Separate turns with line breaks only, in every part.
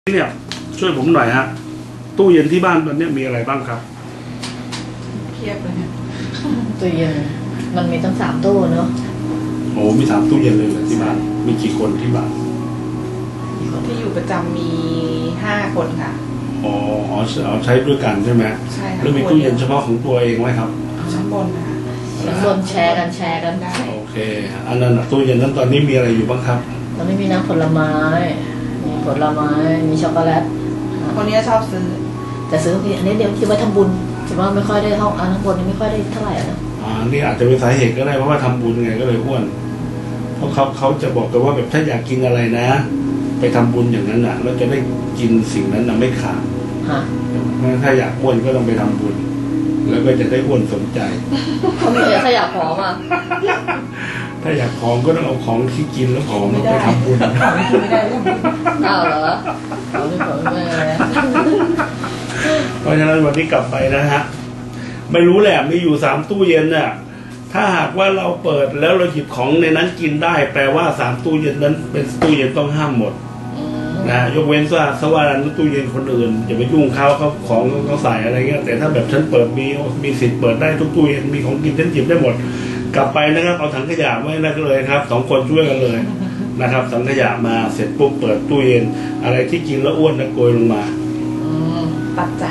เนี่ยช่วยผมหน่อยฮะตู้เย็นที่บ้านตอนนี้มีอะไรบ้างครับ
เทียบเลยเนี่ย
ตู้เย็นมันมีตั้ง3 ตู้เนาะ
โอ้มี3 ตู้เย็นเลยเหรอที่บ้านมีกี่คนที่บ้าน
ที่อยู่ประจำมี5 คนค่ะ
อ๋อเอาใช้ด้วยกันใช่ไหม
ใช่ค่ะ
แล้วมีตู้เย็นเฉพาะของตัวเองไหมครับ
ชั้นบนค่ะ
ชั้นบนแชร์กัน
ได้
โอเคอันนั้นตู้เย็นนั้นตอนนี้มีอะไรอยู่บ้างครับ
ตอนนี้มีน้ำผลไม้มีช็อกโกแลต
คนนี้ชอบซื้อ
แต่ซื้ออันนี้เดี๋ยวคิดว่าทำบุญคิดว่าไม่ค่อยได้ห้องข้างบนนี่ไม่ค่อยได้เท่าไหร่นะ
นี่อาจจะเป็นสาเหตุก็ได้เพราะว่าทำบุญไงก็เลยอ้วนเพราะเขาจะบอกกันว่าแบบถ้าอยากกินอะไรนะไปทำบุญอย่างนั้นน่ะแล้วจะได้กินสิ่งนั้นน่ะไม่ขาดถ้าอยากอ้วนก็ต้องไปทำบุญแล้วก็จะได้อ้วนสมใจ
เขามีถ้าอยากผอม
ถ้าอยากผอมก็ต้องเอาของที่กินแล้วผอมแล้วไปทำบุญ
ไม่ได้
อ้าวเหรอเขาไม่ผอมไม่เลย
เพราะฉะนั้นวันนี้กลับไปนะฮะไม่รู้แหละมีอยู่3 ตู้เย็นน่ะถ้าหากว่าเราเปิดแล้วเราหยิบของในนั้นกินได้แปลว่า3 ตู้เย็นนั้นเป็นตู้เย็นต้องห้ามหมดนะยกเว้นว่าสว่านตู้เย็นคนอื่นอย่าไปยุ่งเขาของเขาใส่อะไรเงี้ยแต่ถ้าแบบฉันเปิดมีสิทธิ์เปิดได้ทุกตู้เย็นมีของกินฉันหยิบได้หมดกลับไปนะครับเอาถังขยะไว้นั่นเลยครับ2 คนช่วยกันเลยนะครับถังขยะมาเสร็จปุ๊บเปิดตู้เย็นอะไรที่กินแล้วอ้วนนะโกยลงมา
ตัดใจ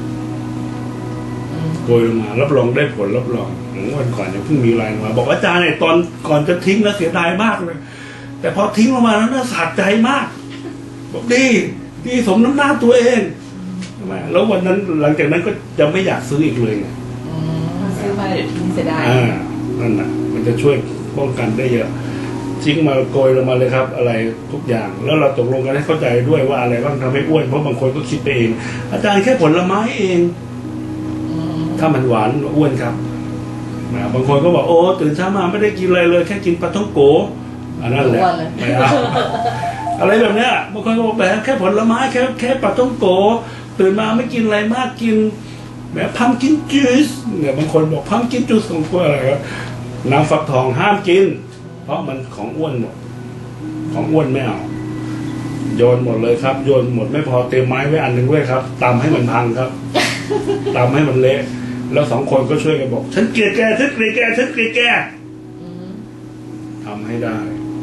โกยลงมารับรองได้ผลรับรองวันก่อนเนี่ยเพิ่งมีไลน์มาบอกอาจารย์เนี่ยตอนก่อนจะทิ้งแล้วเสียดายมากเลยแต่พอทิ้งลงมาแล้วน่าสะใจมากบอกดีสมน้ำหน้าตัวเองแล้ววันนั้นหลังจากนั้นก็จะไม่อยากซื้ออีกเลยไง
ซื้อมาเดี๋ยวทิ้งเสียดาย
นั่นน่ะมันจะช่วยป้องกันได้เยอะทิ้งมาโกยลงมาเลยครับอะไรทุกอย่างแล้วเราตกลงกันให้เข้าใจด้วยว่าอะไรบ้างทำให้อ้วนเพราะบางคนก็คิดไปเองอาจารย์แค่ผลไม้เองถ้ามันหวานอ้วนครับบางคนก็บอกโอ้ตื่นเช้ามาไม่ได้กินอะไรเลยแค่กินปลาท่องโกอันนั้นแหละไม่เอาอะไรแบบเนี้ยบางคนก็บอกแบบแค่ผลไม้แค่ปลาท่องโกตื่นมาไม่กินอะไรมากกินแบบพัมกินจูสเนี่ยบางคนบอกพัมกินจูสของกล้วยอะไรครับน้ำฟักทองห้ามกินเพราะมันของอ้วนหมดของอ้วนไม่เอาโยนหมดเลยครับโยนหมดไม่พอเตรียมไม้ไว้อันหนึ่งด้วยครับตำให้มันพังครับตำให้มันเละแล้ว2 คนก็ช่วยกันบอกฉันเกลียดแกฉันเกลียดแกฉันเกลียดแกทำให้ได้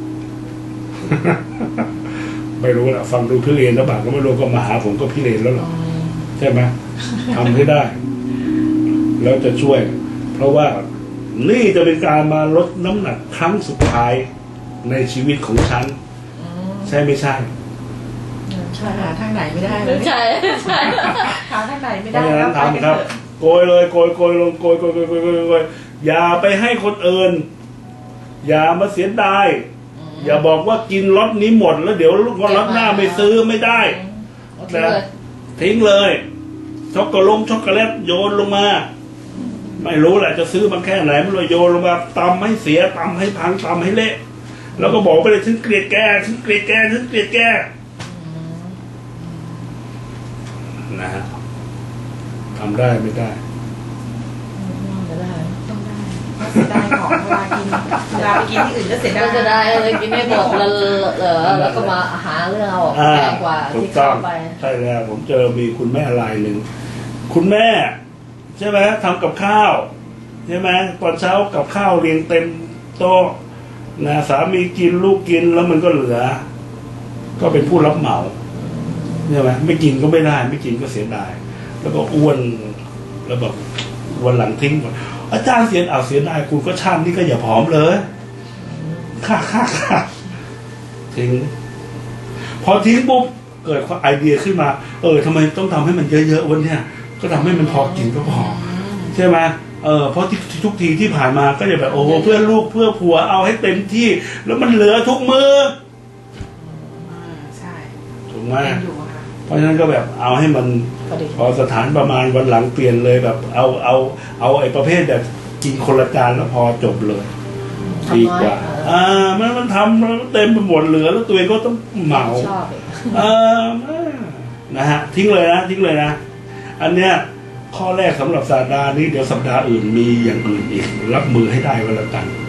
ไม่รู้ละฟังดูพี่เลนแล้วบางก็ไม่รู้ก็มาหาผมก็พี่เลนแล้วหรอใช่ไหมทำให้ได้แล้วจะช่วยเพราะว่านี่จะเป็นการมาลดน้ำหนักครั้งสุดท้ายในชีวิตของฉันใช่ไม่ใช่
หาทางไหนไม่ได้เลย
ใช่
หาทางไหนไม่ได้
แล้วทำครับโกยเลยโกยลงโกยอย่าไปให้คนอื่นอย่ามาเสียดายอย่าบอกว่ากินล็อตนี้หมดแล้วเดี๋ยวล็อตหน้าไม่ซื้อไม่ได้นะทิ้งเลยช็อกโกแลตโยนลงมาไม่รู้แหละจะซื้อมาแค่ไหนไม่รู้โยนลงมาตำให้เสียตำให้พังตำให้เละแล้วก็บอกไปเลยฉันเกลียดแกฉันเกลียดแกฉันเกลียดแกนะฮะทำได้ไม่ได้
ต้องได้เสียดายของเวลาไปกินที่อื่นก็เสียดาย
ก็จะได้เลยกินไม่หมดแล้วก็มาหาเรื่องเอาแพงกว่าที่เข้าไป
ใช่แล้วผมเจอมีคุณแม่รายหนึ่งคุณแม่ใช่ไหมทำกับข้าวใช่ไหมตอนเช้ากับข้าวเรียงเต็มโต๊ะนะสามีกินลูกกินแล้วมันก็เหลือก็เป็นผู้รับเหมาใช่ไหมไม่กินก็ไม่ได้ไม่กินก็เสียดายแล้วก็อ้วนแล้วแบบวันหลังทิ้งหมดอาจารย์เสียดายคุณก็ชาตินี้ก็อย่าผอมเลยค่าทิ้งพอทิ้งปุ๊บเกิดไอเดียขึ้นมาทำไมต้องทำให้มันเยอะๆวันเนี้ยก็ทำให้มันพอกินก็พอใช่ไหมเพราะทุกทีที่ผ่านมาก็จะแบบโอ้เพื่อลูกเพื่อผัวเอาให้เต็มที่แล้วมันเหลือทุกมือ
ใช่
ถูกไหมเพราะฉะนั้นก็แบบเอาให้มันพอสถานประมาณวันหลังเปลี่ยนเลยแบบเอาไอ้ประเภทแบบกินคนละจานแล้วพอจบเลยดีกว่ามันทำแล้วเต็มไปหมดเหลือแล้วตัวเองก็ต้องเหมานะฮะทิ้งเลยนะอันเนี้ยข้อแรกสำหรับสัปดาห์นี้เดี๋ยวสัปดาห์อื่นมีอย่างอื่นอีกรับมือให้ได้ก็แล้วกัน